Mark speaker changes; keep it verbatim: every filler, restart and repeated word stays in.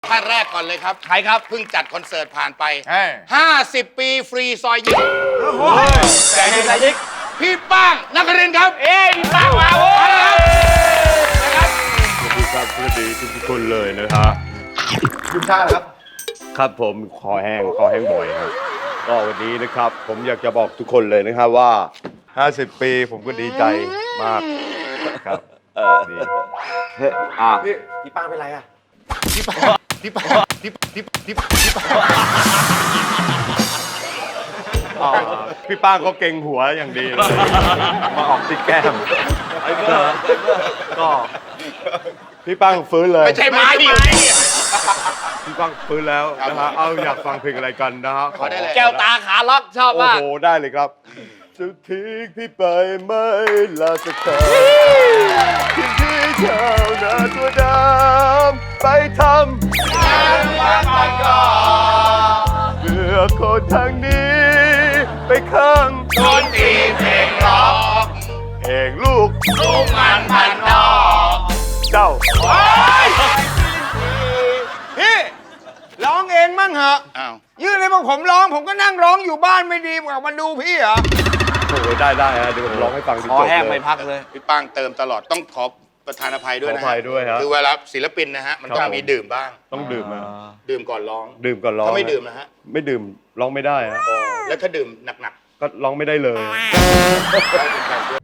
Speaker 1: ท่านแรกก่อนเลยครับ
Speaker 2: ใครครับ
Speaker 1: เพิ่งจัดคอนเสิร์ตผ่านไป
Speaker 2: เฮ้ย
Speaker 1: ห้าสิบ ปีฟรีซอยยิง
Speaker 2: แต่ยิงแต่ยิง
Speaker 1: พี่ป้างนครินทร์ครับ
Speaker 2: เอ้ยมีปากมาโว้ย
Speaker 3: สวัสดีครับสวัสดีทุกคนเลยนะฮะ
Speaker 4: คุณชาติครับ
Speaker 3: ครับผมคอแห้งคอแห้งบ่อยครับก็วันนี้นะครับ ผมอยากจะบอกทุกคนเลยนะครับว่า ห้าสิบ ปีผมก็ดีใจมากครับเออดี
Speaker 4: พี่พี่ป้างเป็นไรอ่ะ
Speaker 1: พี่ป้างพี่ป้างพี่พี่พี่พี่ป้าง
Speaker 3: อ่าพี่ป้างก็เก่งหัวอย่างดีเลยมาออกที่แก้มก็พี่ป้างฟื้นเลย
Speaker 1: ไม่ใช่ไม้ดิ
Speaker 3: พี่ป้างฟื้นแล้วนะฮะเอาอยากฟังเพลงอะไรกันนะฮะ
Speaker 1: ขอได้เลย
Speaker 2: แก้วตาขาล็อกชอบ
Speaker 3: โอ้
Speaker 2: มาก
Speaker 3: โหได้เลยครับจะทิ้งพี่ไปไม่ลาสักครั้งทิ้งพี่เท่านาตัวดำไปทำงานวันก่อนก่อนเพื่อคนทางนี้ ไปข้าง
Speaker 1: โดนตีเพลงร้อง
Speaker 3: เองลูก
Speaker 1: ลูกมันพันนอก
Speaker 3: เจ้า
Speaker 5: พี่ร้องเองมั่งเหอะ
Speaker 1: อ้าว
Speaker 5: ยื่นให้พวกผมร้อง ผมก็นั่งร้องอยู่บ้านไม่ดีกว่ามาดูพี่เหรอ
Speaker 3: โอ้โหได้ได้ฮะเดี๋ยวผมร้องให้ฟังจน
Speaker 2: คอ
Speaker 3: จบ
Speaker 2: แห้ง
Speaker 3: เล
Speaker 2: ไม่
Speaker 3: ย
Speaker 2: พักเลย
Speaker 1: พี่ป้างเติมตลอดต้องขอประธานอภัยด้วยนะ
Speaker 3: ขออภัยด้วยครับ
Speaker 1: คือเวลาศิลปินนะฮะมันต้อ
Speaker 3: ครั
Speaker 1: ง
Speaker 3: บ
Speaker 1: มีดื่มบ้าง
Speaker 3: ต้องดื่มนะ
Speaker 1: ดื่มก่อนร้อง
Speaker 3: ดื่มก่อนร้อง
Speaker 1: ถ้าไม่ดื่มนะฮะ
Speaker 3: ไม่ดื่มร้องไม่ได้ฮะ
Speaker 1: แล้วถ้าดื่มหนัก
Speaker 3: ก็ร้องไม่ได้เลย
Speaker 1: ๆได้เป็นการช่วย